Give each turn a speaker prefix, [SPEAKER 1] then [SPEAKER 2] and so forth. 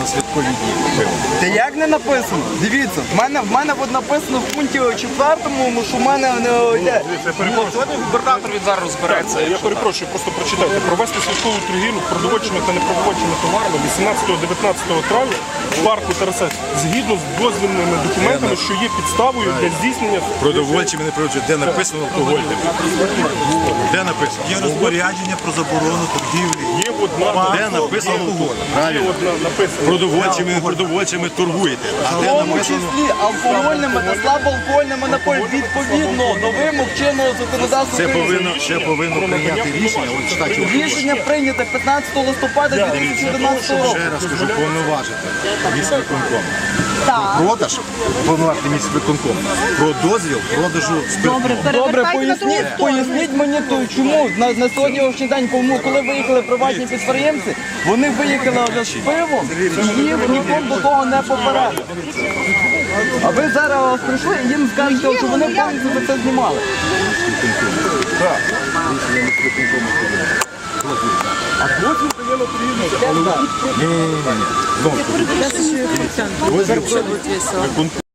[SPEAKER 1] на святкові дні.
[SPEAKER 2] Та як не написано? Дивіться, в мене от написано в пункті 4, що в мене не йде.
[SPEAKER 3] Сьогодні губернатор він зараз розбереться.
[SPEAKER 4] Я перепрошую, просто прочитайте. Провести святкову торгівлю продовольчими та непродовольчими товарами 18-19 травня в парку Тараса згідно з дозвільними документами, що є підставою для здійснення
[SPEAKER 1] Продовольчими, не продовольчими. Де написано алкогольним? Де написано?
[SPEAKER 5] Є розпорядження про заборону торгівлі.
[SPEAKER 4] є одна
[SPEAKER 1] Де написано алкоголь? Правильно.
[SPEAKER 4] написано.
[SPEAKER 1] Продовольчими, непродовольчими торгуєте. А
[SPEAKER 2] В
[SPEAKER 1] де
[SPEAKER 2] тому
[SPEAKER 1] написано?
[SPEAKER 2] числі алкогольними та слабоалкогольними напоями відповідно до вимог чинного законодавства України.
[SPEAKER 1] Це повинно прийняти рішення. От читайте.
[SPEAKER 2] Рішення прийнято 15 листопада 2011 року.
[SPEAKER 1] Ще раз кажу, повноважити міськвиконком.
[SPEAKER 6] Так.
[SPEAKER 1] Продаж, повноважити міськвиконком. Про дозвіл продажу спиртного.
[SPEAKER 6] Добре,
[SPEAKER 2] Добре,
[SPEAKER 6] перевертайте на другу сторону.
[SPEAKER 2] поясніть мені, чому на сьогоднішній день, коли виїхали приватні підприємці, вони виїхали вже з пивом і їх ніхто до того не попередив. А ви зараз прийшли і їм скажете, що вони повністю за це знімали.
[SPEAKER 1] Дозвіл